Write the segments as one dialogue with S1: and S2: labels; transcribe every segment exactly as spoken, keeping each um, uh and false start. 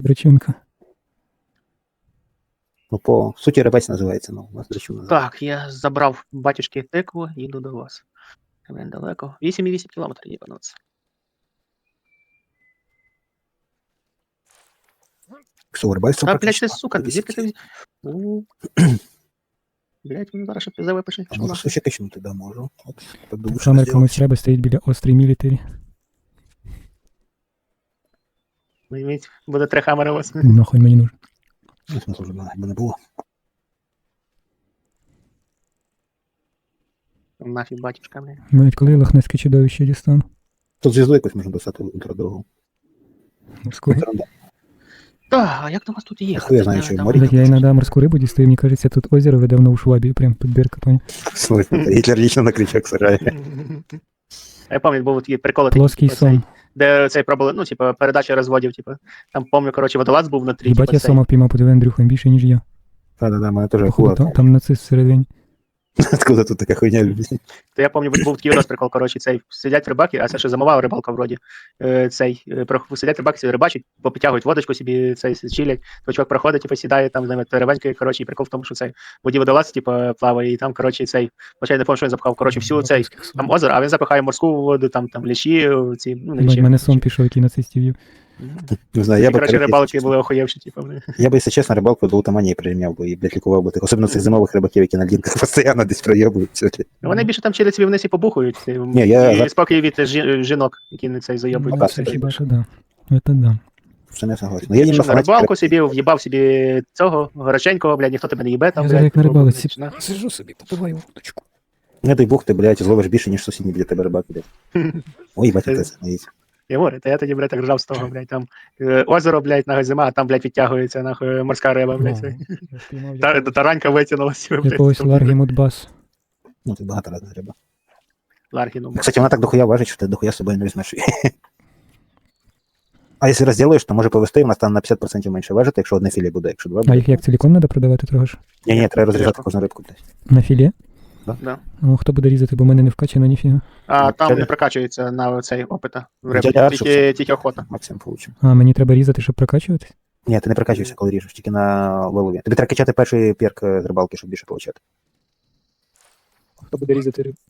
S1: драчунка.
S2: Ну, по суті, рибець називається, ну, у нас драчун називається.
S3: Так, я забрав батюшки тикву, їду до вас. Блін, далеко. вісім цілих вісім кілометрів їбануться.
S2: Що, рибець
S3: А, блядь, ти, сука, звідки ти... У. Блядь, він зараз ще пізде випише.
S2: А можу суші кичнути, да, можу. От, так думаю, що
S1: Камер
S2: зробити.
S1: комусь треба, стоїть біля острій мілітарі.
S3: Візьміть, буде три хамери у вас.
S1: Нахуй мені нужен.
S2: Ну, смисл вже якби не було.
S3: Нафіг батюшка, блядь.
S1: Навіть коли лохнецьке чудовище дістану.
S2: Тут зв'язку якось можна достати ультрадорогу.
S1: Скоро.
S3: Так, а як до вас тут їхати?
S2: Хуя знаю, що в
S3: Там-
S2: морі.
S1: Так я іноді морську рибу дістаю, мені кажеться, тут озеро веде в Нову Швабію, прям тут бірка, понял?
S2: Слухай, Гітлер лічно на крючок сажає.
S3: А я пам'ятаю, був такий прикол,
S1: Плоский
S3: типу, цей,
S1: сон.
S3: де цей пробували, ну, типу, передача розводів, типу, там, пам'ятаю, коротше, водолаз був внутрі,
S1: Їбать,
S3: типу,
S1: я
S3: цей.
S1: сома впіймав, подиви, Андрюха, більше, ніж я.
S2: Да-да-да, мене теж
S1: Походу,
S2: акула.
S1: там, там нацист всередині.
S2: Откуда тут така хуйня любить?
S3: То я пам'ятаю, був такий розприкол, коротше, цей, сидять рибаки, а це ще замовала рибалка вроді, е, цей, е, про- сидять рибаки, собі рибачать, попитягують водочку собі, цей, чилять, то чувак проходить, типу, сідає, там, з ними рибенькою, коротше, і прикол в тому, що цей, в воді водолаз, типу, плаває, і там, коротше, цей, почай не пам'ятаю, що він запхав, коротше, всю цей, там озеро, а він запихає морську воду, там, там, ліші, ці, ну, не
S1: Їбать,
S3: ліші.
S1: мене сон пішов, який нацистів їв.
S2: Не знаю, я
S3: Я
S2: би,
S3: коротше,
S2: коротше,
S3: рибалки
S2: якщо
S3: були
S2: чесно,
S3: охуєвші, типу, вони.
S2: я би, якщо чесно, рибалку до утаманії прирівняв би і, блядь, лікував би тих. Особливо цих зимових рибаків, які на лінках постійно десь проєбують. Це, блядь.
S3: Ну, вони більше там через собі вниз і побухають, і,
S2: Ні, я-
S3: і спокій від жі- жінок, які не цей зайобують.
S2: Ну,
S1: Ну, це хіба що да. Это да.
S2: Це не согласен. Ну, я їм
S3: Що,
S2: на
S3: на
S2: фанаті
S3: рибалку собі, в'їбав собі цього, гороченького, блядь, ніхто тебе не їбе там,
S1: Я зараз як на
S3: типу,
S1: рибалці.
S3: на-
S1: Сижу собі, попиваю водочку.
S2: не дай Бог, ти, блядь, зловиш більше, ніж сусідній біля тебе рибак, блядь. Ой, бать, це знаєте.
S3: Я говорю, та я тоді, блядь, так ржав з того, блядь, там е, озеро, блядь, нахуй зима, а там, блядь, відтягується, нахуй, морська риба, блядь. Та, таранька витягнулася, блядь.
S1: Якогось
S3: там,
S1: Ларгі Мудбас.
S2: Ну, це багато разних риба.
S3: Ларгіну.
S2: Кстати, вона так дохуя важить, що ти дохуя з собою не візьмеш. А якщо розділиш, то може повести, вона стане на п'ятдесят відсотків менше важити, якщо одне філе буде, якщо два
S1: А
S2: буде.
S1: їх як ціліком треба продавати трохи ж?
S2: Ні, ні, треба розрізати кожну рибку, блядь.
S1: На філе?
S3: Да.
S1: О, хто буде різати, бо в мене не вкачано ніфіга.
S3: А там
S2: Дядя-
S3: не прокачується на цей опита в рибу,
S2: Дядя Аршик
S3: тільки,
S2: це-
S3: тільки охота.
S2: Максимум получимо.
S1: А, мені треба різати, щоб прокачуватись?
S2: Ні, ти не прокачуєшся, коли ріжеш, тільки на вилові. Тобі треба качати перший перк з рибалки, щоб більше получати.
S1: Хто буде різати рибу?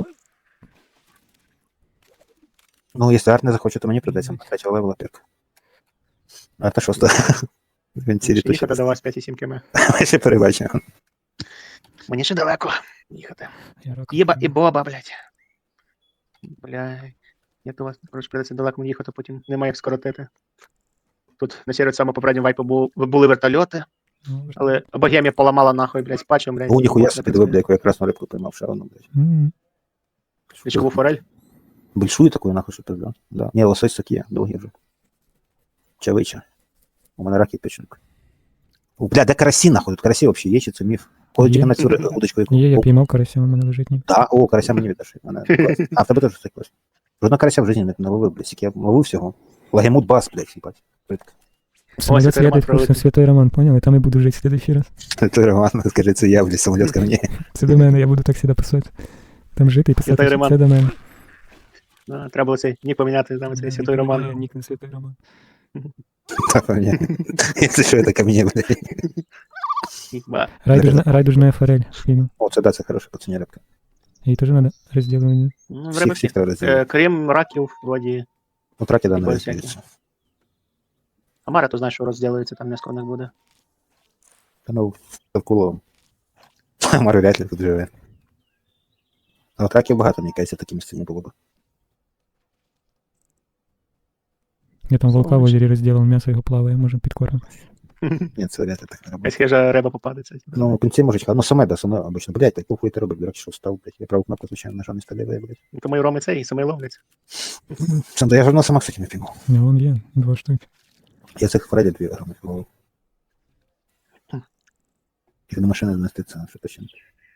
S2: Ну, якщо арт не захоче, то мені придеться третього левела перк. Арта шоста. Він цілі
S3: Їхати
S2: точно.
S3: до вас п'ять сім км.
S2: Ми ще перебачимо.
S3: Мені ще далеко їхати.
S1: Я рак.
S3: Єба і боба, блядь. Бля, я до вас, коротше, придеться далеко мені їхати, потім немає як скоротити. Тут на серед самого попереднього вайпу бу- були вертольоти,
S1: Ну,
S3: але богемія поламала нахуй, блядь, з патчем, блядь.
S2: О, ніхуя
S3: не
S2: собі, диви, бля, яку я красну рибку поймав, ще одну, блядь.
S1: М.
S3: Річкову форель.
S2: Большую такую, нахуй, що пизда. Да. Ні, лосось такі, довгі вже. Чавича. У мене раки печенка. О, бля, де карасі, нахуй? Тут карасі взагалі є, чи це міф? Коли
S1: Є.
S2: тільки на цю ри- удочку, яку...
S1: Є, я
S2: О,
S1: піймав карася, у мене лежить ні.
S2: да, о, карася мені віддаш. Мене клас. А, в тебе теж це клас. Жодного карася в житті не, не ловив, блядь, скільки я ловив всього. Лагемут бас, блядь, їбать. Рибка.
S1: Самоліт
S3: Святий Роман
S1: святий курсом
S3: прилетів.
S1: Святой Роман, поняли? Там і буду жити слідуючий раз.
S2: Це Роман, скажи, це я, блядь, самоліт ко мені.
S1: Це до мене, я буду так сюди писати. Там жити і писати,
S3: Святий
S1: що
S3: Роман.
S1: це до мене.
S3: А, треба було цей нік поміняти, там цей святой Роман.
S1: Нік не Святой Роман.
S2: Та, мені. Це що, це ко мені, блядь.
S3: Ба.
S1: Райдужна, райдужна форель. Фільм.
S2: О, це да, це хороша пацаня рибка.
S1: Їй теж треба розділення.
S3: Ну, в
S2: Всіх,
S3: риби
S2: всіх
S3: всіх.
S2: треба
S3: Е,
S2: розділити.
S3: Крім раків, вроді.
S2: Ну, траки, да, не
S3: прикольно
S2: розділяться.
S3: Амара, то знаєш, що розділиться, там несколько них буде.
S2: Та ну, Тавкуловим. Мару вряд ли тут живе. А от раків багато, мені кажеться, такі місці не було б.
S1: Я там волка в
S3: Сонечко.
S1: озері розділив, м'ясо його плаває, може підкормити.
S2: Ні, це вряд ли так не робить.
S3: Якась хижа риба попадеться. типу.
S2: Ну, в кінці можуть, ну, саме, да, саме, обично. Блядь, так похуй ти робить, дурак, що встав, блядь. Я праву кнопку, звичайно, нажав не сталеве, блядь.
S3: Тому і роми цей, і самий ловляться.
S2: Сам, да я ж одного сама, кстати, не піймав.
S1: Ну, вон є, два штуки.
S2: Я цих Фредді дві грами піймав.
S3: Хм.
S2: Тільки до машини донести це, що точно.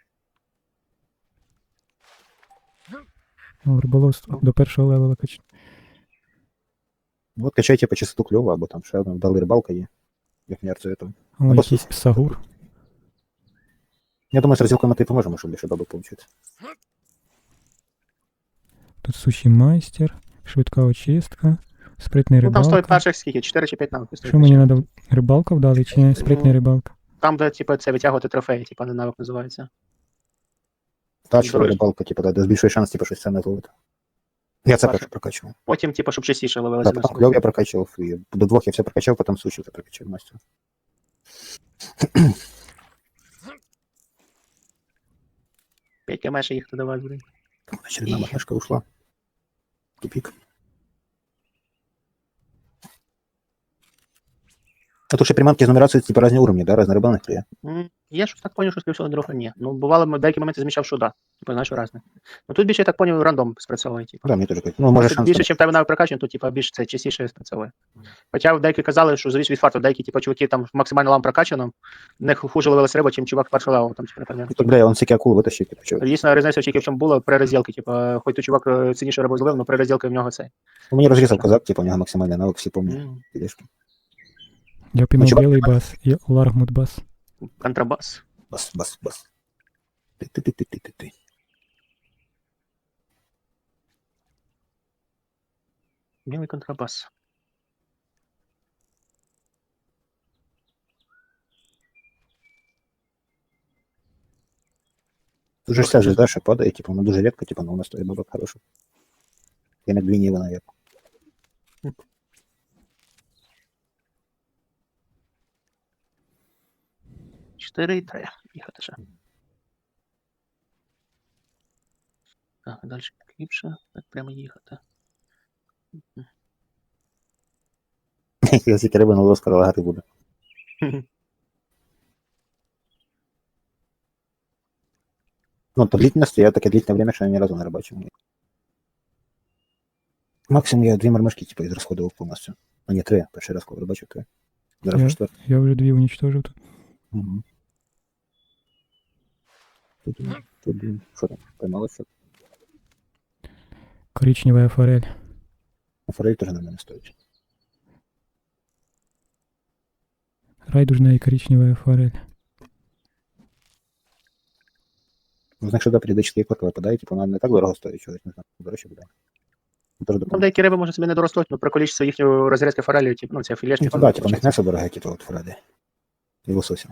S1: О, риболовство до першого левела качне.
S2: Ну, от качайте по чистоту кльова, або там ще одна вдали рибалка є. Як не арцю этого.
S1: О,
S2: Або
S1: якийсь сагур.
S2: Я думаю, з розділкою ми ти поможемо, щоб більше бабок получити.
S1: Тут суші майстер, швидка очистка, Спритний
S3: Ну там стоїть
S1: рибалка.
S3: перших скільки? чотири чи п'ять навиків стоїть.
S1: Що мені треба? Рибалка вдали чи ні? Спритний
S3: Ну,
S1: рибалка.
S3: Там, де, типу, це витягувати трофеї, типу, не навик називається.
S2: Тачлива
S3: Дорож-
S2: рибалка, типу, да, де збільшує шанс, типу, щось ценне зловити. Я це
S3: Перше.
S2: перше прокачував.
S3: Потім, типу, щоб частіше
S2: Да,
S3: ловилося.
S2: потім кльов я прокачував, і до двох я все прокачав, потім суші це прокачав мастер.
S3: п'ять км ще їхати давай, блін.
S2: Очередна махнешка ушла. Тупик. А то ще приманки з нумерацією, типу, різні уровні, да, різні рибалних є.
S3: М, Я щось так поняв, що скоріше всього дорога ні. Ну, бувало, в деякі моменти замічав, що да. Типу, знаєш, разне. Ну тут більше, я так поняв, рандом спрацьовує, типу.
S2: Да, мені теж кажуть. Ну, може
S3: Це
S2: шанс.
S3: більше, ніж в тебе навик прокачаний, то типу, більше це частіше спрацьовує. Хоча деякі казали, що зависить від факту, деякі, типу, чуваки там максимально лам прокачано, в них хуже ловилась риба, чим чувак першого левел, там, типу, наприклад.
S2: Так, бля, он всякі акули витащив, типу, чого.
S3: Дійсно, різниця тільки в чому була при розділці, типу, хоч той чувак е, цінніше рибу зловив, але при розділці в нього цей.
S2: Ну, мені розрізав козак, типу, у нього максимальний навик, всі пам'ятають.
S3: М,
S2: Підешки.
S1: Я піймав
S2: чувак,
S1: білий бас і ларгмут бас.
S3: Контрабас.
S2: Бас, бас, бас. Ти-ти-ти-ти-ти-ти.
S3: Білий контрабас.
S2: Дуже ж ця звезда ще падає, типу, вона дуже рідко, типу, але у нас стоїть бабок хороший. Я на двійні вона є.
S3: чотири і три. Їхати ще. Так, далі ліпше. Так, прямо їхати.
S2: Я тільки риби на лоскар лагати буде. Ну, то длительность, я таке длительне время, що я ні разу не рибачив. Максимум я дві мармишки, типу, ізрасходував повністю. А ні, три. Перший раз, коли рибачив, три. Зараз
S1: Я-
S2: вже четвертий.
S1: Я вже дві унічтожив тут.
S2: Угу. Тут, тут, блін, що там, поймалося?
S1: Коричнева форель.
S2: А форель теж на мене стоїть.
S1: Райдужна і коричнева форель.
S2: Ну, знаєш, що періодично клик випадає, типу, вона не так дорого стоїть, чогось, не знаю, дорожче буде. Ну, теж
S3: Там
S2: допоможе.
S3: деякі риби може собі не доростуть, але про количество їхньої розрізки форелі, типу, ну, це філешки.
S2: Ну, да, типу, в них м'ясо дороге, типу, от форелі. І лосося.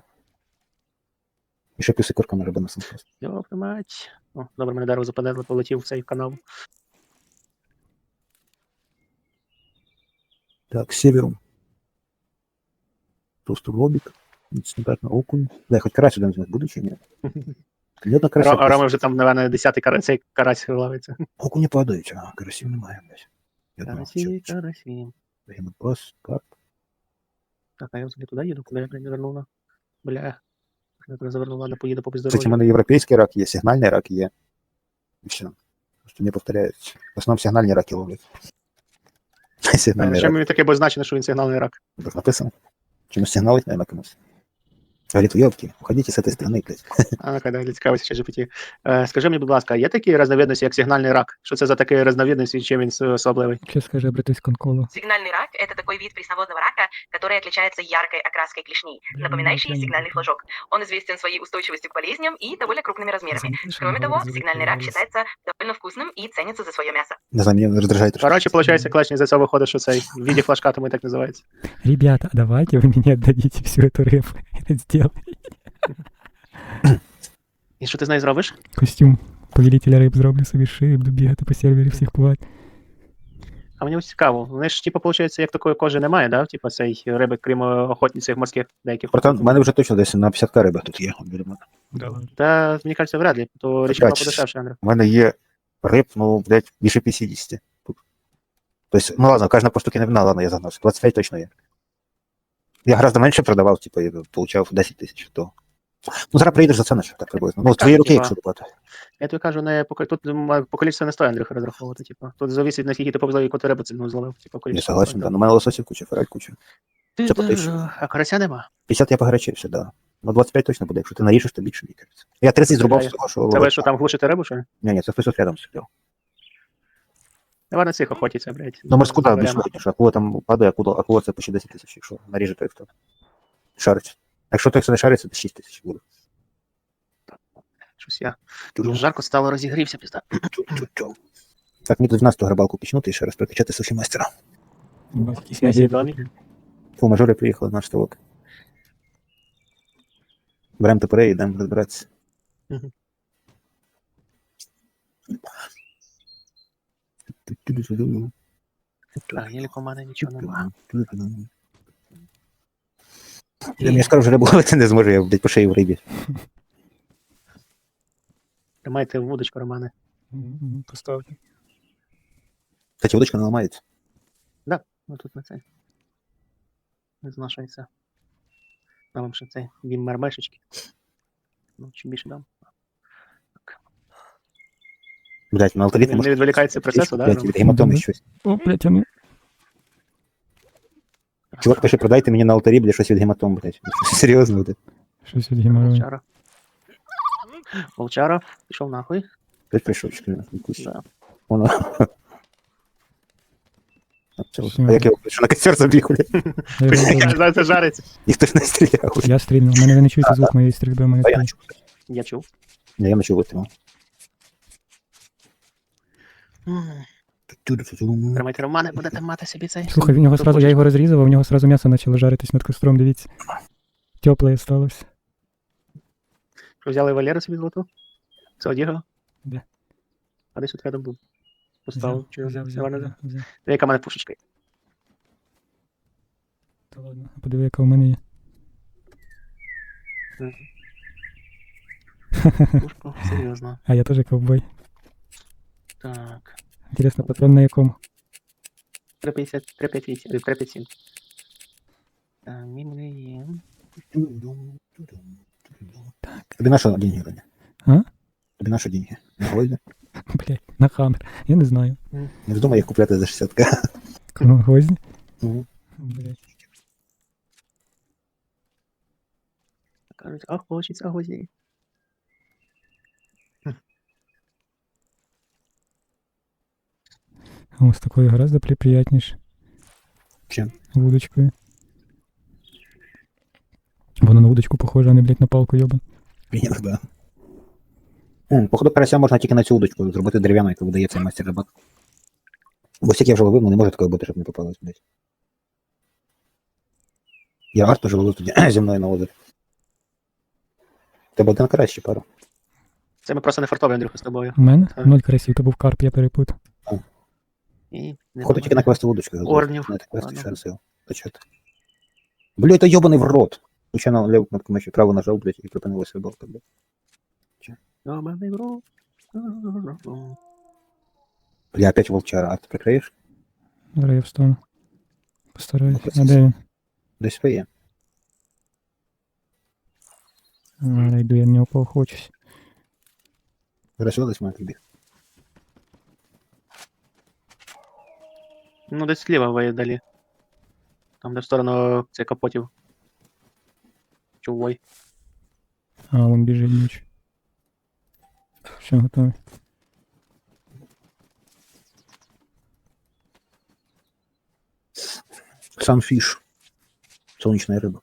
S2: І ще плюс і курками риба на сенс.
S3: Йоп, мать. О, добре, мене дерево западе, полетів в цей канал.
S2: Так, севером. Просто лобик. Стандартно окунь. Да, хоч карась один з них буде чи ні? Ні одна карася.
S3: А Рома вже там, напевно, десятий карась, цей карась ловиться.
S2: Окуні падають, а карасів немає, блядь. Я думав,
S3: Карасі,
S2: що
S3: карасі.
S2: гемопас, карп.
S3: Так, а я взагалі туди їду, куди я, блядь, не вернула. Бля. Я туди завернула, ладно, поїду по
S2: Кстати, у
S3: бездорожжю.
S2: мене європейський рак є, сигнальний рак є. І все. Просто не повторяють. В основному сигнальні раки ловлять. Сигнальний
S3: Ще
S2: рак.
S3: мені таке позначено, що він сигнальний рак.
S2: Так написано. Чомусь сигналить, наверное, комусь. Говорит, ёбки, уходите с этой стороны, блядь.
S3: А ну-ка, да, цікавиться ще Джі Пі Ті. Е, скажи мені, будь ласка, є такі різновидності, як сигнальний рак? Що це за такі різновидності, і чим він с- особливий?
S1: Що скаже братись конколу?
S4: Сигнальный рак – это такой вид пресноводного рака, который отличается яркой окраской клешней, напоминающей
S1: прям-
S4: сигнальный флажок. Он известен своей устойчивостью к болезням и довольно крупными размерами. Кроме того, сигнальный рак считается довольно вкусным и ценится за свое мясо.
S2: Не знаю, меня раздражает. трошки.
S3: Коротше, виходить, клачні за це виходить, що цей в віді флажка, тому і так називається.
S1: Ребята, давайте вы мне отдадите всю эту рыбу. Это сделай.
S3: І що ти з нею зробиш?
S1: Костюм повелителя риб зроблю собі шиї, буду бігати по сервері всіх плавати.
S3: А мені ось цікаво. Вони ж, типу, виходить, як такої кожи немає, да? Типу, цей риби, крім е, охотниць морських деяких.
S2: Братан, у мене вже точно десь на п'ятдесят риби тут є. от біля мене.
S3: Та, мені кажеться, вряд ли, то річка
S2: Опять.
S3: подешевше, Андрій.
S2: У мене є риб, ну, блядь, більше п'ятдесят тут. Тобто, ну ладно, кожна по штуки не вина, ладно, я загнався. двадцять п'ять точно є. Я гораздо менше продавав, типу, я получав десять тисяч, то... Ну, зараз приїдеш за це, наче, так приблизно. Ну, з твоєї руки,
S3: типа,
S2: якщо доплати.
S3: Я тобі кажу, не по тут м, по количеству не стоїть, Андрюха, розраховувати, типу. Тут зависить, наскільки ти повезло, яку ти рибу цільну зловив, типу,
S2: Я
S3: количество.
S2: согласен, да. Ну, у мене лососів куча, форель куча.
S3: Ти
S2: Це по
S3: да,
S2: тисячі.
S3: А карася нема.
S2: п'ятдесят я погорячився, да. Ну, двадцять п'ять точно буде, якщо ти наріжеш, то більше, мені кажеться. Я тридцять зрубав з того, що...
S3: Це ви що там глушите рибу, що ли?
S2: Ні, ні, це хтось от рядом сидів.
S3: Давай на цих охотиться, блядь.
S2: Ну, морську, так, більш
S3: Варіант.
S2: вигідніше. Акула там падає, акула, акула це почти десять тисяч, якщо наріже той, хто шарить. Якщо той, хто не шарить, це шість тисяч буде.
S3: Щось я. Дуже жарко стало, розігрівся, пізда.
S2: Чу-чу-чу. Так, мені тут дванадцяту грибалку пічнути і ще раз прокачати суші майстера.
S1: Якісь
S3: Я
S1: надії.
S3: домі.
S2: Фу, мажори приїхали на штовок. Беремо топори і йдемо розбиратися.
S3: Мгм. Так, ніяк у мене нічого нема.
S2: Я не скажу, що рибу ловити не зможу, я, блядь, по шиї в рибі.
S3: Тримайте вудочку, Романе.
S1: Мгм, поставте.
S2: Кстати, удочка не ламається.
S3: Ну тут на це. Не знашується. Дам вам ще цей бім мармешечки. Ну, чим більше дам.
S2: Блядь, на алтарі
S3: Не- не відволікається процесу, да,
S2: Блядь,
S3: Рома?
S2: від гематоми
S1: Мгм.
S2: щось.
S1: О, блядь, а ну.
S2: Чувак пише, продайте мені на алтарі, блядь, щось від гематом, блядь. Серйозно, блядь.
S1: Щось від геморрою.
S3: Волчара. Волчара, пішов нахуй.
S2: П'ять прийшов, чекай, якусь.
S3: Да.
S2: Воно. А це-
S1: Всё.
S2: А як я що на костер забіг, блядь?
S1: Я розумію.
S3: Зараз це жариться.
S2: Ніхто ж не стріляв. блядь.
S1: Я стрільнув. У мене ви не чуєте звук моєї стрільби, у мене
S2: А я не
S1: такий.
S2: чув.
S3: Я чув.
S2: Ні, я не чув витримав.
S3: Тримайте Романе, будете мати собі цей.
S1: Слухай, в нього сразу, я його розрізав, а в нього сразу м'ясо почало жаритись над костром, дивіться. Тепле сталося.
S3: Що взяли Валеру собі золоту? Це одягав?
S1: Де?
S3: А десь тут рядом був. Поставив. Чи
S1: взяв, взяв,
S3: Нормально,
S1: взяв,
S3: да?
S1: взяв.
S3: Яка в мене пушечка? є?
S1: Та ладно, подиви, яка у мене є.
S3: Пушку? Серйозно.
S1: А я теж ковбой.
S3: Так.
S1: Інтересно, патрон на якому?
S3: три п'ятдесят, три п'ятдесят вісім, три п'ятдесят сім. Так, мімлі.
S2: Тобі на що деньги, Леня?
S1: А?
S2: Тобі на що деньги? На гвозді?
S1: Блядь, на хаммер. Я не знаю.
S2: Не вдома їх купляти за шістдесят к.
S1: Кому гвозді?
S2: Мгм.
S1: Блядь.
S3: Кажуть, а хочеться гвоздей.
S1: О, з такою гораздо при- приятніше.
S2: Чим?
S1: Вудочкою. Воно на вудочку похоже, а не, блядь, на палку йобан.
S2: Іногда. М, Походу, карася можна тільки на цю удочку зробити дерев'яну, яку видає цей майстер рибак. Бо всяк я вже ловив, ну не може такої бути, щоб не попалось, блядь. Я арт теж ловив тоді зі мною на озері. Тебе один карась ще пару.
S3: Це ми просто не фартові, Андрюха, з тобою.
S1: У мене?
S3: Так.
S1: Ноль карасів, то був карп, я перепутав.
S3: І не
S2: Походу тільки на квести удочку.
S3: Орнів.
S2: На квести
S3: Ладно.
S2: ще сил. Та чого ти? Блядь, та йобаний в рот. Случайно леву кнопку миші право нажав, блядь, і припинилась рибалка, блядь.
S3: Йобаний в рот.
S2: Бля, опять волчара, а ти прикриєш?
S1: Зараз я встану. Постараюсь.
S2: Ну,
S1: А де він?
S2: Десь своє.
S1: Зараз йду, я в нього поохочусь.
S2: Зараз сюди десь має прибіг.
S3: Ну, десь зліва ви далі. Там, де в сторону цих капотів. Чувой.
S1: А, вон біжить ніч. Все, готовий.
S2: Сам фіш. Сонячна риба.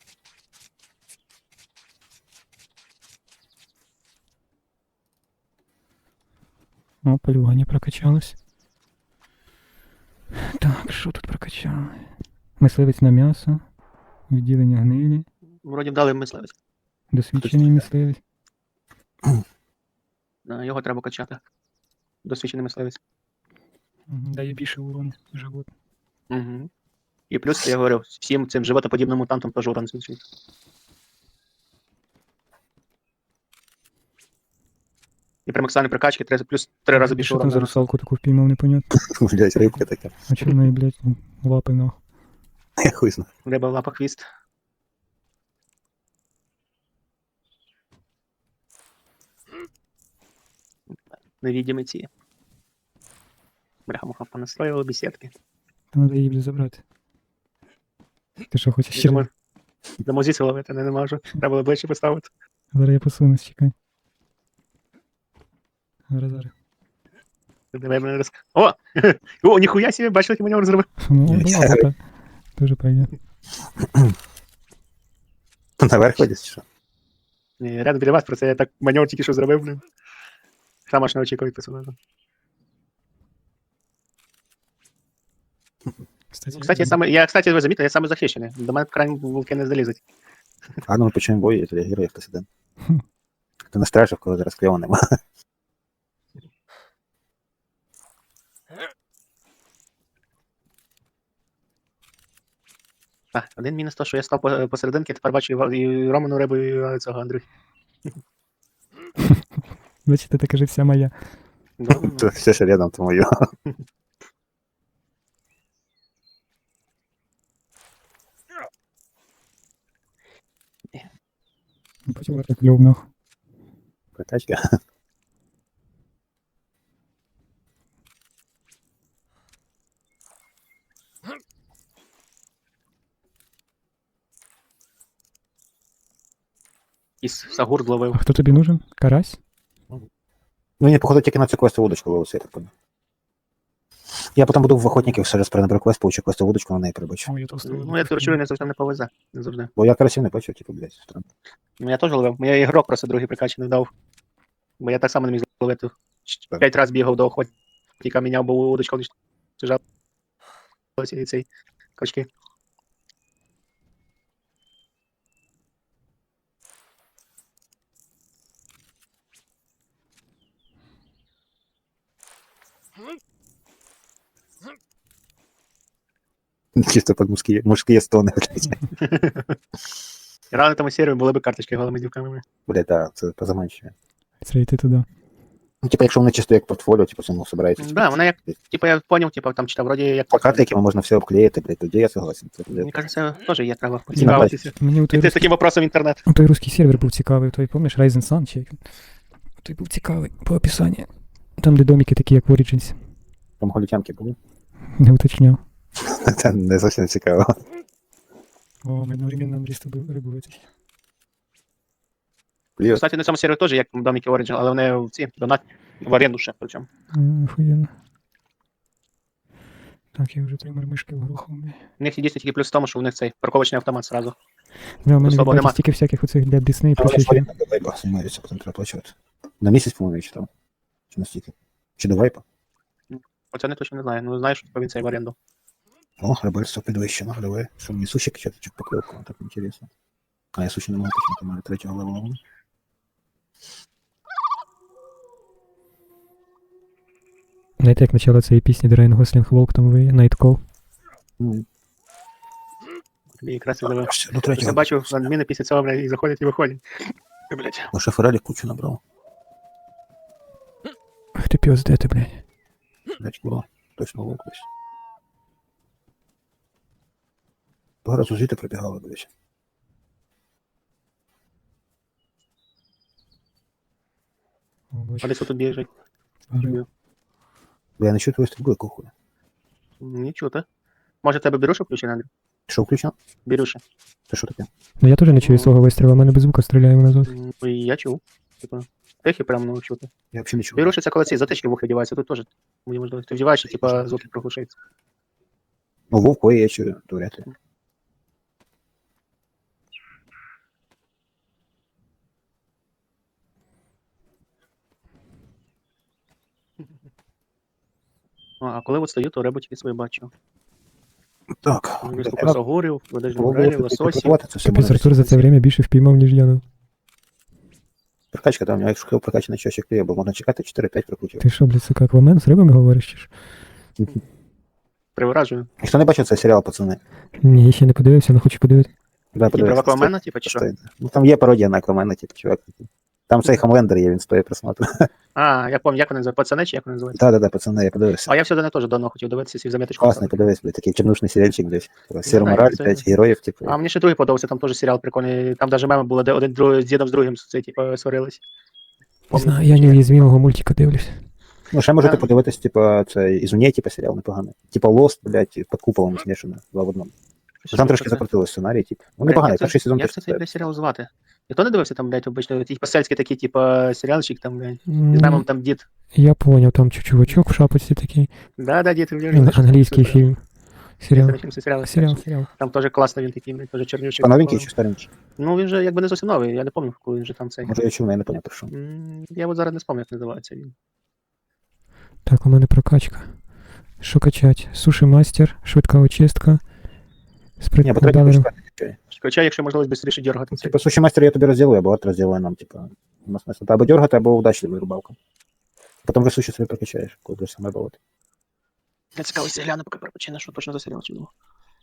S1: О, полювання прокачалось. Так, що тут прокачали? Мисливець на м'ясо. Відділення гнилі.
S3: Вроді вдали мисливець.
S1: Досвідчений мисливець.
S3: Да, його треба качати. Досвідчений мисливець.
S1: Мгм, дає більше урону живот.
S3: Угу. І плюс, я говорю, всім цим животоподібним мутантам теж урон збільшується. І при максимальній прокачці три- плюс три рази більше
S1: Що там
S3: урону.
S1: за русалку таку впіймав, непонятно.
S2: Блядь, рибка така.
S1: А чого в неї, блядь, лапи нахуй?
S2: Я хуй знаю.
S3: Риба в лапах хвіст. Невідімі ці. Бляха-муха, понастроїли бесідки.
S1: Та треба її, блядь, забрати. Ти що, хочеш ще?
S3: Думаю, дамо звідси ловити, не, не можу. Треба було ближче поставити.
S1: Зараз я посунусь, чекай. Зараз, зараз.
S3: Давай мене роз... О! О, ніхуя собі, бачили, який маневр зробив.
S1: Ну, була така. Дуже пойде.
S2: Наверх ходять, чи що?
S3: Ні, рядом біля вас, про це я так маневр тільки що зробив, блин. Сам аж не очікував персонажа. Кстати, я саме, я, кстати, ви замітили, я саме захищений. До мене крайні вулки не залізуть.
S2: А ну ми почнемо бой, я тоді герой хтось один. Ти на стражі, в кого зараз кльово нема.
S3: Так, один мінус то, що я став по- посерединки, тепер бачу і Ва- і Роману Рибу, і цього Андрю.
S1: Бачите, така же вся моя.
S2: Це все ще рядом, тому йо.
S1: Потім так кльовно.
S2: Прокачка.
S3: І Сагур зловив.
S1: А хто тобі нужен? Карась?
S2: Ну, ні, походу, тільки на цю квесту вудочку ловився, я так понял. Я потім буду в охотників все раз перенабрав квест, получу квесту вудочку, на неї прибачу.
S3: Ну, я короче, не завжди не повезе. Не завжди.
S2: Бо я карасів не бачив, типу, блядь, странно.
S3: Ну, я теж ловив. Мені ігрок просто другий прикачаний дав. Бо я так само не міг зловити.
S2: Так.
S3: П'ять разів бігав до охотника, міняв, бо удочка лежав. І цей качки.
S2: Чисто під мужські, мужські стони, блядь.
S3: І рано тому серію були б карточки голими дівками.
S2: Блядь, так, це позаманчує.
S1: Це йти туди.
S2: Ну, типу, якщо вони чисто як портфоліо, типу, самому собирається.
S3: Так, да, вона як, типу, я поняв, типу, там читав, вроді як...
S2: Плакати, якими можна все обклеїти, блядь, тоді я согласен. Це,
S3: Мені
S2: блядь.
S3: кажется, теж є треба
S2: бачиш.
S3: поцікавитися.
S1: Мені у той,
S3: Піти з
S1: русський,
S3: таким вопросом в інтернет.
S1: у той русський сервер був цікавий, той, пам'ятаєш, Ryzen Sun чи як він? Той був цікавий по описанню. Там, де домики такі, як в Origins.
S2: Там голітянки були.
S1: Не уточняв.
S2: Це не зовсім цікаво.
S1: О, ми одновременно Андрій з тобою рибу витягли.
S2: Плюс.
S3: Кстати, на цьому серію теж як домики Origin, але вони в ці донат в оренду ще причому.
S1: Охуєнно. Так, я вже три мармишки вгрухав.
S3: У них дійсно тільки плюс в тому, що у них цей парковочний автомат зразу.
S1: Да, у мене
S3: Особо
S1: відбувається
S3: нема.
S1: стільки всяких оцих для Disney і
S2: Але
S1: прочих.
S2: ж варіант до вайпа займаються, потім треба оплачувати. На місяць, по-моєму, я читав. Чи на стільки? Чи до вайпа?
S3: Оце не точно не знаю. Ну знаєш, що він цей в оренду.
S2: О, рибальство підвищено, давай. Що мені суші качати, чи покльовку? Так інтересно. А я суші не можу качати, у мене третього левела.
S1: Знаєте, як почало цієї пісні, де Райан Гослінг Волк там ви, Night Call.
S2: Ну,
S3: Тобі якраз і дали.
S2: до
S3: Я
S2: третього.
S3: бачу, адміни після цього, блядь, і заходять і виходять. Блядь.
S2: Ну, шоферелі кучу набрав.
S1: Ах ти піос, де ти, блядь?
S2: Блять, було. Точно лук десь. Два рази звідти прибігали, блять.
S1: О, бачу.
S3: А десь тут біжить.
S1: Гриб.
S2: Бо я не чую твою стрільбу, кухує.
S3: Не чути. Може тебе бірюша включена, Андрій?
S2: Що включено?
S3: Бірюша.
S2: Це що таке?
S1: Ну я теж не чую свого вистрілу, а мене без звука стріляє назад.
S3: Ну, і я чув. Типу, тихі прямо ну, чути.
S2: Я взагалі не чую.
S3: Бірюша це коли ці затички в ухи вдіваються, тут теж. Мені можливо, ти вдіваєш, і типа звуки проглушаються.
S2: Ну, вовку я чую, то вряд ли.
S3: Ну, а коли от стою, то рибу тільки свої бачу.
S2: Так.
S3: Виступи загорів, ведеш
S2: Було
S3: грилі,
S2: б
S3: лососі.
S2: прикувати, це все
S1: Капець,
S2: можна.
S1: Артур за це время більше впіймав, ніж я. Ну.
S2: Прокачка, там, якщо прокачаний чощик клею, бо можна чекати чотири-п'ять прокрутів.
S1: Ти що, блядь, сука, аквамен з рибами говориш? Чи ж?
S3: Привражую.
S2: Ніхто не бачив цей серіал, пацани?
S1: Ні, я ще не подивився, але хочу подивитися.
S2: Дай
S3: І про
S2: подивитися.
S3: Аквамена, типу, чи що?
S2: Стоїть. Ну, там є пародія на Аквамена, типу, чувак. Там цей Хомлендер є, він стоїть просмотру.
S3: А, я пам'ятаю, як вони називають, пацани, чи як вони називають?
S2: Да-да-да, пацани, я подивився.
S3: А я все до теж давно хотів дивитися, сів заметочку.
S2: Класний, подивись, блядь, такий чорнушний серіальчик, блядь. Сіра
S3: знаю,
S2: мораль,
S3: це-
S2: п'ять героїв, типу.
S3: А мені ще другий подобався, там теж серіал прикольний. Там навіть меми були, де один друг, з дідом з другим це, типу, сварились.
S1: Не знаю, я неуязвимого мультика дивлюсь.
S2: Ну, ще можете
S3: Да.
S2: подивитись, типу, це Ізуні, типу, серіал непоганий. Типа Lost, блядь, під куполом смішано, два в одному. Там трошки закрутили сценарій, типу. Ну, непоганий, перший сезон
S3: Як
S2: теж.
S3: це цей блядь, серіал звати? Я то не дивився там, блядь, обично, ті посельські такі, типу, серіалчик там, блядь. З
S1: М,
S3: мемом там дід.
S1: Я поняв, там чу- чувачок в шапочці такий.
S3: Да, да, дід.
S1: Ан- Англійський фільм. Серіал.
S3: Серіал.
S1: Серіал, серіал.
S3: Там теж класно він такий, блядь, теж чорнючий.
S2: Типа новенький чи старенький?
S3: Ну, він же якби не зовсім новий, я не пам'ятаю, коли він же там цей.
S2: Може я чув, але я не пам'ятаю, про що.
S3: М, Я от зараз не спомню, як називається він.
S1: Так, у мене прокачка. Що качать? Суші мастер, швидка очистка.
S2: Ні,
S1: Спритний
S2: бо третій
S1: далер.
S2: почекати.
S3: Хоча, якщо можливість швидше дергати цей.
S2: Типа, суші мастер я тобі розділю, або от розділю нам, типа. У нас смисл. Або дергати, або удачливою рибалка. Потім вже суші собі прокачаєш, коли будеш саме бавити.
S3: Я цікавий гляну, поки перепочину, що точно за серіал чи думав.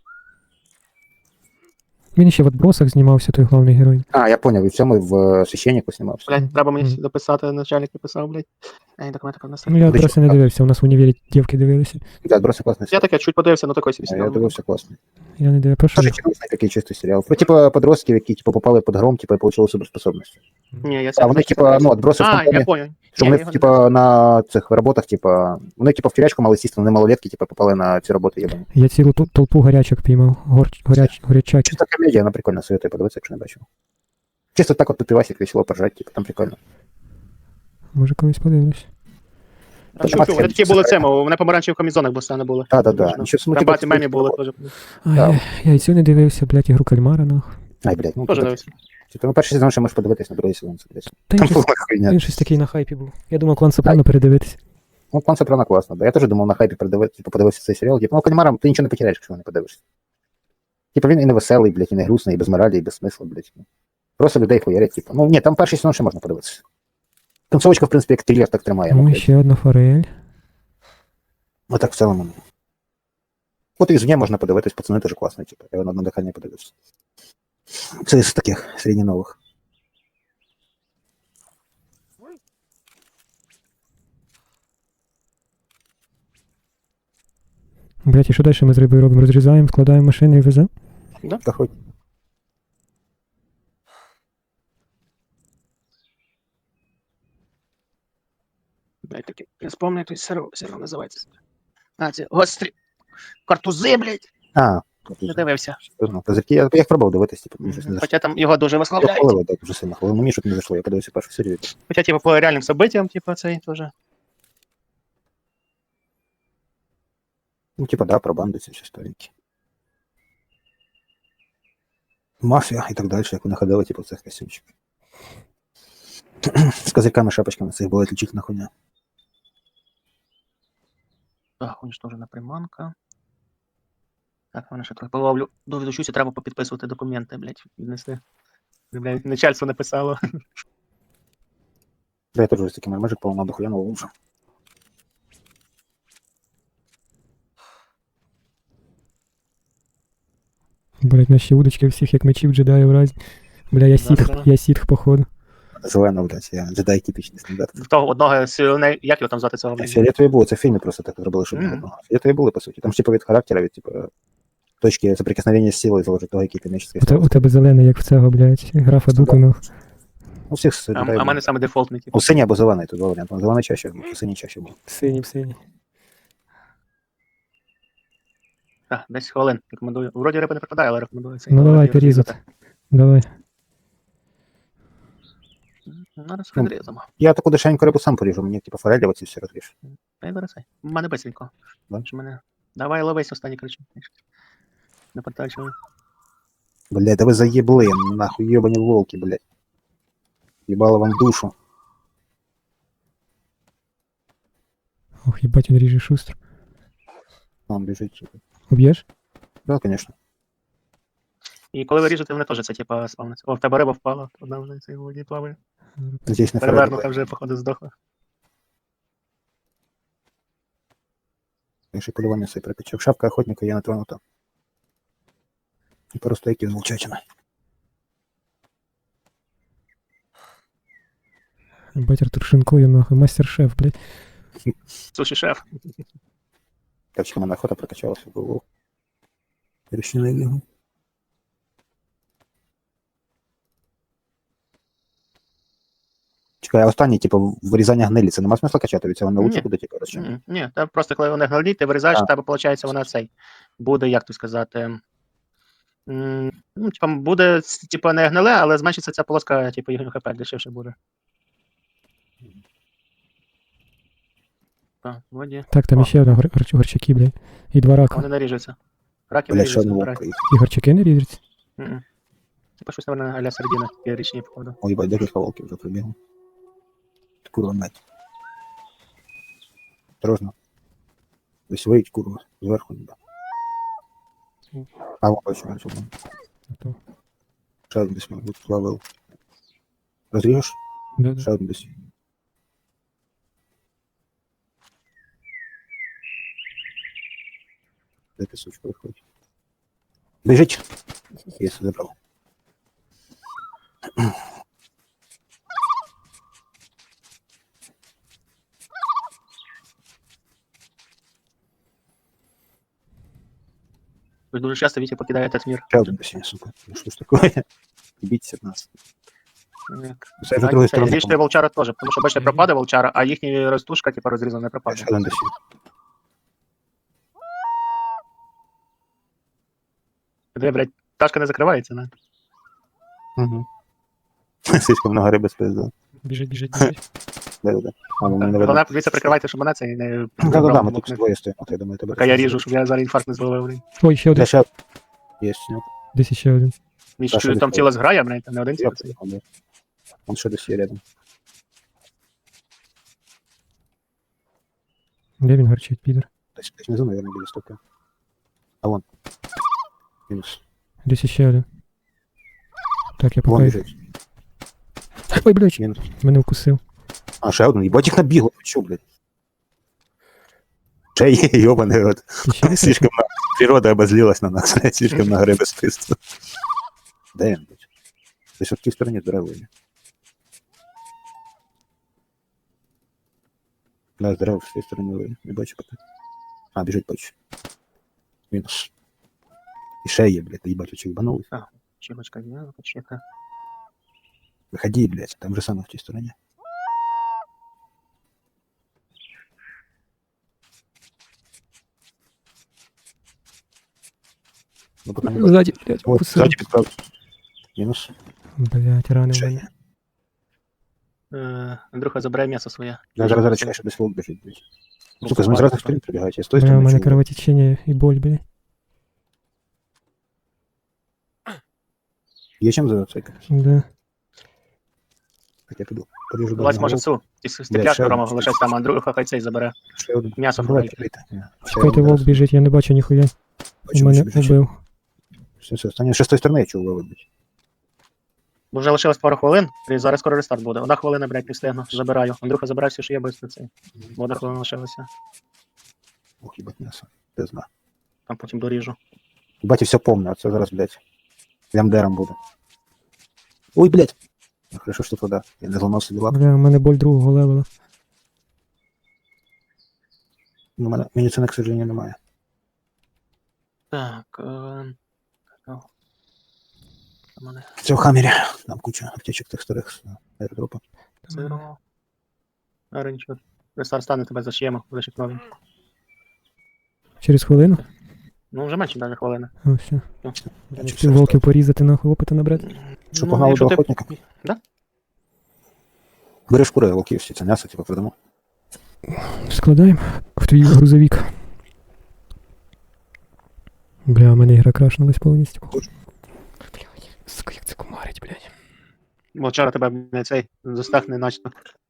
S1: Він ще в отбросах знімався, той головний герой.
S2: А, я поняв, і в цьому в е, священнику знімався.
S3: Блядь, треба мені
S1: Мгм.
S3: дописати, начальник написав, блядь. Ей, документи про нас.
S1: Ну я
S2: Куди
S1: просто не
S2: що?
S1: дивився, у нас в універі дівки дивилися.
S2: Да, отбросы классный
S3: Я
S2: сериал.
S3: таке чуть подивився, ну такой собі
S2: А, Я
S3: серіал.
S2: дивився класний.
S1: Я не дивився. Про що?
S2: Тоже
S1: він?
S2: чудесный такий чистий серіал. Про типа подростків, які типа попали під гром, типа і получили суперспособності.
S3: Ні, я
S2: А вони типа, ну, отброси в
S3: А,
S2: компанії,
S3: я понял.
S2: що
S3: Ні,
S2: вони
S3: я його
S2: типа на цих роботах, типа, вони типа в тюрячку мали сісти, вони малолетки, типа попали на ці роботи єбані.
S1: Я цілу ту- толпу гарячок піймав. Гор... Горяч... Горячаки.
S2: Чисто комедія, вона прикольна, советую подивитися, якщо не бачив. Чисто так от по пивасик весело поржать, типа, там прикольно.
S1: Може колись подивлюсь.
S3: А чую, вони такі були цим, вони помаранчеві в комізонах постійно були.
S2: Да, да, да. Нічого
S3: Там
S2: смутного.
S3: багато мемів було теж.
S1: А,
S2: Да.
S1: я, я і цю не дивився, блядь, ігру кальмара, нах.
S2: Ай, блядь, ну,
S3: Теж
S2: так.
S3: дивився.
S2: Типа, ну, перший сезон ще можеш подивитись, на другий сезон це десь.
S1: Та
S2: Там
S1: він
S2: була
S1: щось,
S2: хуйня.
S1: він щось такий на хайпі був. Я думав, клан Сопрано передивитись.
S2: Ну, план Сопрано класно, да. Я теж думав на хайпі передивитися, типу, подивитися цей серіал. Типу, ну, Кальмарам ти нічого не потеряєш, якщо не подивишся. Типу, він і не веселий, блядь, і не грустний, і без моралі, і без смисла, блядь. Просто людей хуярять, типу. Ну, ні, там перший сезон ще можна подивитися. Концовочка, в принципі, як трилер, так тримає. Ну,
S1: О,
S2: блядь.
S1: ще одна форель.
S2: Ну, так в цілому. От і звні можна подивитись, пацани теж класно, типу. Я на одне дихання подивився. Це з таких середньонових.
S1: Блядь, і що далі ми з рибою робимо? Розрізаємо, складаємо машини і веземо?
S2: Та хоч.
S3: Блядь, такі, я спомню, той серіал, серіал називається. А, це гострі картузи, блядь.
S2: А,
S3: Не дивився.
S2: Козирки, я, я їх пробував дивитись, типу, мені щось не зайшло.
S3: Хоча там його дуже
S2: Я
S3: висловляють.
S2: хвалив, так, дуже сильно хвалив. Ну, мені щось не зайшло, я подивився першу серію.
S3: Хоча, типу, по реальним событиям, типу, цей теж.
S2: Ну, типа, да, про банди ці всі сторінки. Мафія і так далі, як вони ходили, типу, в цих костюмчиках. З козирками, шапочками, це їх була отличительна хуйня.
S3: Так, уничтожена приманка. Так, мене ще трохи половлю. Довідучуся, треба попідписувати документи, блядь, віднести. Блядь, начальство написало.
S2: Да, я теж ось такими межик поламав до хуя нового вже.
S1: Блядь, наші удочки всіх як мечів джедаїв разі. Бля, я сітх,
S3: Да-да.
S1: я сітх, походу.
S2: Зелена, блядь, я джедай типічний стандарт.
S3: В того одного сильне, як його там звати цього, блядь?
S2: Фіолетові були, це в фільмі просто так зробили, щоб не
S3: Мгм.
S2: одного. Фіолетові були, по суті. Там ж типу від характера, від типу точки соприкосновення з силою залежить того, який кінечний
S1: У, те, у тебе зелений, як в цього, блядь, графа Дуку, ну.
S2: У всіх
S3: А,
S2: джедаїв
S3: а в
S2: були.
S3: мене саме дефолтний, типу.
S2: У синій або зелений, тут два варіанти. Зелений чаще, був, синій чаще був.
S1: Синій, синій.
S3: Так, десять хвилин, рекомендую. Вроді риби не припадає, але рекомендую цей.
S1: Ну давайте різати. Давай.
S3: Ну, раз відрізамо.
S2: Я таку дешевеньку рибу сам поріжу, мені типу форелі оці всі розріж.
S3: Та й береться. У мене бистренько.
S2: Да?
S3: Що мене... Давай ловись останній кричу. Не потачили.
S2: Блядь, да ви заєбли, нахуй йобані волки, блядь. Їбало вам душу.
S1: Ох, їбать, він ріже шустро.
S2: Он біжить.
S1: Уб'єш?
S2: Да, конечно.
S3: І коли ви ріжете, вони теж це, типа, спавниться. О, в тебе риба впала. Одна вже цей воді плаває.
S2: Здесь не
S3: Перевернута
S2: форель.
S3: вже, походу, здохла.
S2: Я ще полювання собі прикачав. Шапка охотника є натронута. І пару стейків з волчатина.
S1: Їбать, Артур шинкує, нахуй, мастер-шеф, блядь.
S3: Суші шеф.
S2: Капчика мене охота прокачалася, був. Рішили його. Чекай, а останній, типу, вирізання гнилі, це нема смисла качати, від цього не лучше
S3: Ні.
S2: буде, типу, розчим.
S3: Ні, ні, та просто коли вони гнилі, ти вирізаєш,
S2: А.
S3: в тебе, виходить, вона цей. Буде, як то сказати. м, Ну, типа, буде, типа, не гниле, але зменшиться ця полоска, типу, їхнього хп дешевше буде. Так, воді.
S1: Так, там
S3: О.
S1: іще одна гор... гор- горчаки, блядь. І два рака.
S3: Вони наріжуться. Раки
S2: Бля, ще
S3: наріжуться,
S2: одного
S3: вибирай.
S2: приїхав.
S1: І горчаки не ріжуться.
S3: Мгм. Типа щось, наверное, а-ля середина, такі річні, походу.
S2: Ой, бать, декілька волків вже прибігли. Курва мать. Осторожно. Десь виють, курва, зверху ніби. А, вон бачу, бачу. вон.
S1: То.
S2: Ще один десь, мабуть, плавив. Розріжеш?
S1: Да, да.
S2: Ще один десь. Де ти, сучка, виходить? Біжить! Я все забрав.
S3: Ви дуже часто Вітя покидає этот мир.
S2: Ще один десь, сука. Ну що ж таке? Бійтеся в нас.
S3: Як-
S2: Це вже другої сторони.
S3: Ріжте волчара теж, тому що бачите, пропаде волчара, а їхня ростушка, типу, розрізана не пропаде.
S2: Ще один десь.
S3: Де, блядь, пташка не закривається, не?
S2: Угу. Слишком много риби спиздили.
S1: Біжить, біжить, біжить.
S2: Да-да-да. А, ну, не видно.
S3: Головне, дивіться, прикривайте, щоб мене це і не...
S2: Да-да-да, ми тут двоє стоїмо. Я думаю, тебе...
S3: Поки я ріжу, щоб я зараз інфаркт не зловив, блін.
S1: Ой, ще один.
S2: Де ще... Є, снюк.
S1: Десь ще один.
S3: Він
S2: Та,
S3: чую,
S2: що
S3: там
S2: ви
S3: ціла зграя, блядь, там не один
S2: Я
S3: цілий.
S2: понял, да. Он ще десь є рядом.
S1: Де він гарчить, підер?
S2: Десь, десь внизу, наверное, біля стопки. А вон. Мінус.
S1: Десь ще один. Так, я
S2: Вон
S1: покаю.
S2: біжить.
S1: Ой, блядь,
S2: Мінус.
S1: мене вкусив.
S2: А, ще один. Їбать їх набігло. Ти чо, блядь? Ще є, йобаний рот.
S1: І ще один?
S2: Слишком много. Природа обозлилась на нас, блядь. Слишком много риби спиздили. Де він, блядь? Десь от в тій стороні здоровий. Да, здорово, в тій стороні вийде. Не бачу поки. А, біжить, бачу. Мінус. І ще є, блядь, їбать, очі їбанулись.
S3: Чимочка, не, почекай.
S2: Виходи, блядь, там же саме в тій стороні. Ну, поки не бачу.
S1: Ззаді, блядь,
S2: От,
S1: вкусив.
S2: ззаді підправ. Мінус.
S1: Блядь, ранив
S2: Ще
S1: мене.
S2: є.
S3: Е, Андрюха забирає м'ясо своє.
S2: Я зараз зараз чекаю, що десь волк біжить, блядь. Сука, з мене зразу сторін прибігають, я з тої
S1: Бля, у
S2: сторони
S1: мене
S2: чую.
S1: кровотечення і боль, блядь.
S2: Є чим зацикати?
S1: Да.
S2: Так я піду. Поріжу
S3: Влазь,
S2: до
S3: може,
S2: одного.
S3: цю. Ти степляшку,
S2: ще
S3: Рома,
S2: один.
S3: лишайся там, Андрюха хай цей забере.
S2: Ще один.
S3: М'ясо
S2: Давай,
S3: фрайте.
S2: прийти. Ні, ще
S1: Чекайте,
S2: один
S1: вовк
S2: раз.
S1: біжить, я не бачу ніхуя.
S2: Бачу,
S1: У мене
S2: бачу, біжить.
S1: убив.
S2: Все, все, останнє ще з тої сторони я чув вибить.
S3: Бо вже лишилось пару хвилин, і зараз скоро рестарт буде. Одна хвилина, блядь, не встигну. Забираю. Андрюха, забирай все, що є без цей. Бо одна хвилина лишилася.
S2: Ох, їбать м'ясо. Ти зна.
S3: Там потім доріжу.
S2: Бать, все помню, а це зараз, блядь, лямдером буде. Ой, блядь. Ну, хорошо, що вода. Я не зламав собі лапу.
S1: Бля, у мене боль другого левела.
S2: Ну, мене медицини, к сожалению, немає.
S3: Так. Е... о. Там мене
S2: В цьому хамері там куча аптечок тих старих з аеродропа.
S3: зеро. А, нічого. Рестарт стане, тебе зашиємо, лише новий.
S1: Через хвилину?
S3: Ну, вже менше навіть хвилини.
S1: О, все.
S3: Ну.
S2: Я чуть
S1: Ці волків порізати, нахуй, опита набрати.
S2: Що, погнали
S3: якщо
S2: до
S3: ти-
S2: охотника?
S3: Да?
S2: Бери шкури волків, всі це м'ясо, типу, продамо.
S1: Складаємо в твій грузовик. Бля, у мене ігра крашнулась повністю. Блядь, сука, як це кумарить, блядь.
S3: Волчара тебе не цей застахне начно.